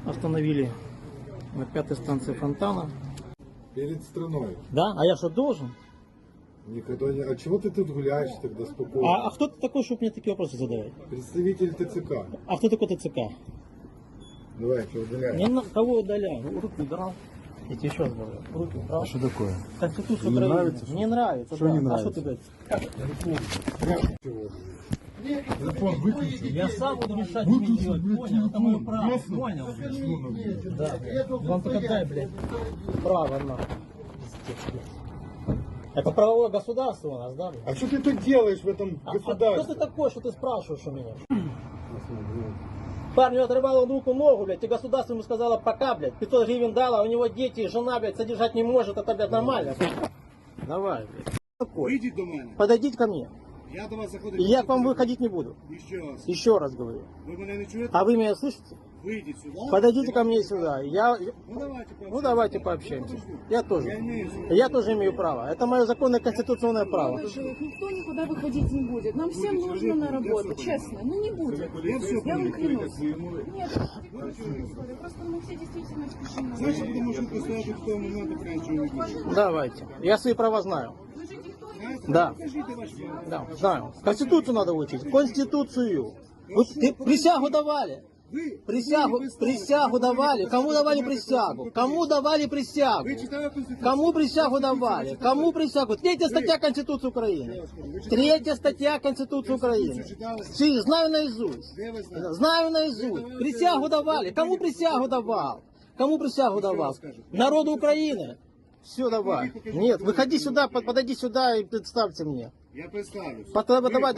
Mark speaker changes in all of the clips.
Speaker 1: Остановили на 5-й станции Фонтана.
Speaker 2: Перед страной.
Speaker 1: Да? А я что, должен?
Speaker 2: Никогда не... А чего ты тут гуляешь тогда спокойно?
Speaker 1: А кто ты такой, чтобы мне такие вопросы задавать?
Speaker 2: Представитель ТЦК.
Speaker 1: А кто такой ТЦК?
Speaker 2: Давайте, удаляем.
Speaker 1: Не на кого удаляю? Руки убрал. Я тебе еще раз говорю. Руки убрал.
Speaker 2: А что такое?
Speaker 1: Конституцию
Speaker 2: Не
Speaker 1: Украины.
Speaker 2: нравится, что?
Speaker 1: Не нравится,
Speaker 2: Что
Speaker 1: да.
Speaker 2: не
Speaker 1: А
Speaker 2: нравится?
Speaker 1: что ты говоришь?
Speaker 2: Телефон выключи.
Speaker 1: Я сам буду решать, что мне делать. Понял? Это мое право. Понял? Да. Вам только дай, блядь, право на. Это правовое государство у нас, да?
Speaker 2: А что ты тут делаешь в этом
Speaker 1: А кто
Speaker 2: государстве?
Speaker 1: ты такой, что ты спрашиваешь у меня? Парню отрывал он руку, ногу, блядь, и государство ему сказало пока, блядь, 500 гривен дало, у него дети, жена, блядь, содержать не может, это, блядь, нормально. Давай, блядь. Такой.
Speaker 3: Вийдіть до мене.
Speaker 1: Подойдите ко мне.
Speaker 3: Я до вас заходив.
Speaker 1: И я к вам выходить не буду.
Speaker 3: Ще раз.
Speaker 1: Еще раз говорю.
Speaker 3: Ви мене не чуєте?
Speaker 1: А вы меня слышите?
Speaker 3: Вийдіть сюди.
Speaker 1: Подойдите ко мне сюда.
Speaker 3: Ну давайте
Speaker 1: Ну давайте пообщаемся.
Speaker 3: пообщаємося.
Speaker 1: Я
Speaker 3: Я
Speaker 1: тоже.
Speaker 3: имею
Speaker 1: Я тоже имею право. Это мое законное конституционное право.
Speaker 4: Никто никуда выходить не будет. Нам всем нужно на работу, честно. Ну не будет. Я вам клянусь. Нет, просто мы все действительно спешим.
Speaker 3: Значить, будемо жити стояти в тому моменту, поки нічого не буде.
Speaker 1: Давайте. Я свои права знаю. Да.
Speaker 3: Покажіть ваші.
Speaker 1: Да, знаю. Конституцию надо учить. Конституцию. Ты присягу давали.
Speaker 3: Ви
Speaker 1: Присягу давали. Кому давали присягу? Кому давали присягу?
Speaker 3: Ви читали Конституцію?
Speaker 1: Кому присягу давали? Кому присягу? Третья статья Конституции Украины. Третья статья Конституции Украины. Знаю наизусть.
Speaker 3: Де ви знаєте?
Speaker 1: Знаю наизусть. Присягу давали. Кому присягу давал? Кому присягу давал? Народу Украины. Все, давай. Нет, выходи сюда, подойди сюда и представьте мне.
Speaker 3: Я представлюсь.
Speaker 1: Давай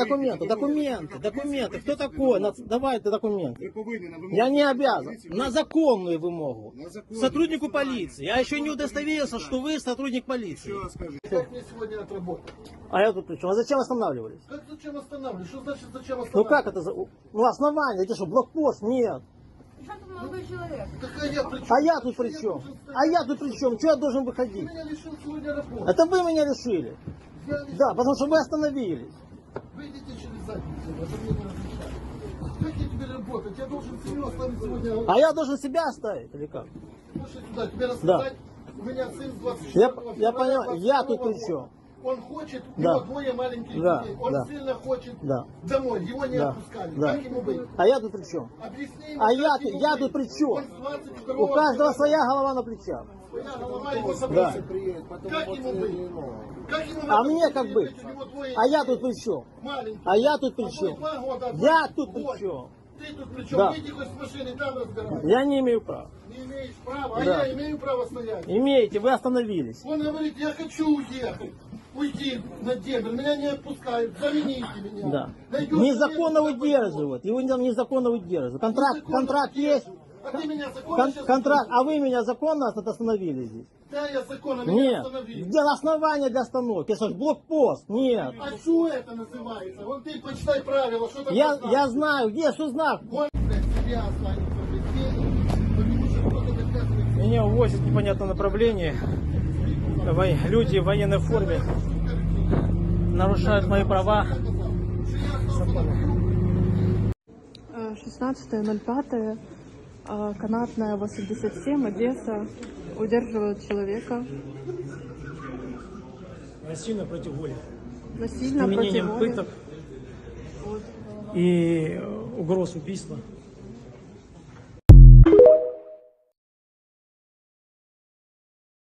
Speaker 1: документы. Кто такой? Давайте
Speaker 3: Ви
Speaker 1: документы.
Speaker 3: повинні на вимогу.
Speaker 1: Я не обязан. На законную вымогу.
Speaker 3: На законную.
Speaker 1: Сотруднику полиции. Я еще не удостоверился, что вы сотрудник полиции.
Speaker 3: Що скажу?
Speaker 5: Как мне сегодня отработать?
Speaker 1: А я тут при чем? А зачем останавливались?
Speaker 5: Как зачем останавливать? Что значит зачем
Speaker 1: Ну
Speaker 5: останавливать?
Speaker 1: как это? Ну основание, это что, блокпост? Нет.
Speaker 4: Молодой человек.
Speaker 5: Какая я при чем?
Speaker 1: А я тут при чем? А я тут при чем? Что я должен выходить?
Speaker 5: Меня лишил сегодня работы.
Speaker 1: Это вы меня решили.
Speaker 5: Я лишил.
Speaker 1: Да, потому что вы остановились.
Speaker 5: Выйдите через задницу, это мне не разрешают. Как я теперь работать? Я должен семью оставить сегодня.
Speaker 1: А я должен себя оставить или как?
Speaker 5: Слушай сюда, тебе рассказать. У меня сын с 24
Speaker 1: Я понял, я тут при чем?
Speaker 5: Он хочет, у
Speaker 1: Да.
Speaker 5: него двое маленьких
Speaker 1: Да,
Speaker 5: детей. Он
Speaker 1: да.
Speaker 5: сильно хочет
Speaker 1: Да.
Speaker 5: домой, его не
Speaker 1: Да,
Speaker 5: отпускали.
Speaker 1: да.
Speaker 5: Как ему быть?
Speaker 1: А я тут при чем?
Speaker 5: Объясни ему,
Speaker 1: А
Speaker 5: как
Speaker 1: я
Speaker 5: ему
Speaker 1: тут
Speaker 5: быть.
Speaker 1: при чем?
Speaker 5: Он с 22
Speaker 1: У каждого своя голова на плечах.
Speaker 5: Своя голова его
Speaker 1: Да.
Speaker 5: забросит. Как ему быть? Как ему
Speaker 1: А
Speaker 5: в этом
Speaker 1: мне как
Speaker 5: жить?
Speaker 1: быть?
Speaker 5: У него двое
Speaker 1: А я
Speaker 5: детей
Speaker 1: тут при чем?
Speaker 5: маленьких.
Speaker 1: А я тут при
Speaker 5: Одной
Speaker 1: чем?
Speaker 5: 2 года, а
Speaker 1: Я
Speaker 5: другой
Speaker 1: тут при
Speaker 5: год.
Speaker 1: чем?
Speaker 5: Ты тут при чем?
Speaker 1: Да.
Speaker 5: Выйди хоть с машины, там разговаривай.
Speaker 1: Я не имею права.
Speaker 5: Не имеешь права, а
Speaker 1: Да.
Speaker 5: я имею право стоять.
Speaker 1: Имеете, вы остановились.
Speaker 5: Он говорит, я хочу уехать. Уйти на дембель, меня не отпускают, замените меня.
Speaker 1: Да.
Speaker 5: Найдешь
Speaker 1: Незаконно
Speaker 5: место,
Speaker 1: удерживают. Его там незаконно удерживают. Контракт
Speaker 5: Незаконно
Speaker 1: есть.
Speaker 5: удерживают. А ты меня законно сейчас
Speaker 1: Контракт. А вы меня законно остановили здесь?
Speaker 5: Да, я законно меня
Speaker 1: Нет.
Speaker 5: остановил.
Speaker 1: Где основание для остановки? Это что, блокпост? Нет.
Speaker 5: А что это называется? Вон ты почитай правила, что такое
Speaker 1: Я
Speaker 5: знак.
Speaker 1: знаю, где, что знак?
Speaker 5: Вон, блядь, себя останется, блядь, потому что кто-то доказывает.
Speaker 1: Меня увозят в непонятном направлении. Люди в военной форме нарушают мои права.
Speaker 6: 16.05, канатная 87, Одесса, удерживают человека
Speaker 1: Насильно против воли.
Speaker 6: насильно против
Speaker 1: Применением
Speaker 6: воли.
Speaker 1: пыток и угроз убийства.